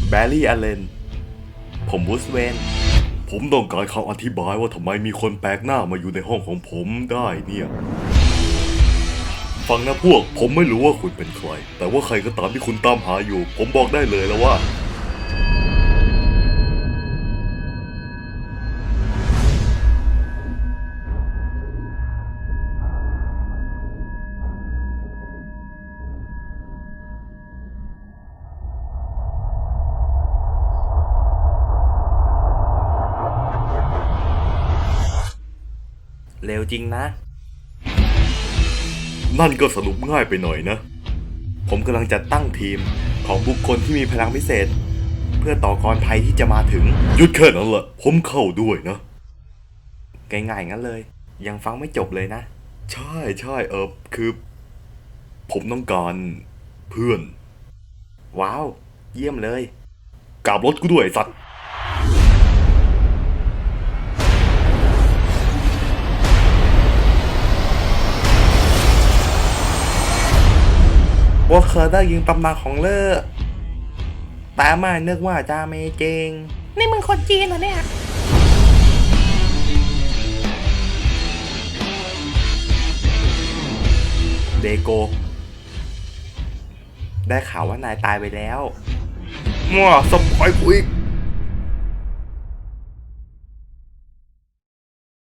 แบร์รี่ อลเลน ผมบูสเวน ผมต้องการคำอธิบายว่าทำไมมีคนแปลกหน้ามาอยู่ในห้องของผมได้เนี่ย ฟังนะพวก ผมไม่รู้ว่าคุณเป็นใคร แต่ว่าใครก็ตามที่คุณตามหาอยู่ ผมบอกได้เลยแล้วว่าเร็วจริงนะ นั่นก็สรุปง่ายไปหน่อยนะ ผมกำลังจัดตั้งทีมของบุคคลที่มีพลังพิเศษ เพื่อต่อกรภัยที่จะมาถึง หยุดแค่นั้นแหละ ผมเข้าด้วยนะ ง่ายๆงั้นเลย ยังฟังไม่จบเลยนะ ใช่ใช่คือ ผมต้องการเพื่อน ว้าว เยี่ยมเลยกลับรถกูด้วยสัตว์ว่าเคยได้ยินตำนานของเลิศแต่ไม่นึกว่าจะไม่จริงนี่มึงคนจีนเหรอเนี่ยเดโก ได้ข่าวว่านายตายไปแล้วมั่วสปอยกูอีก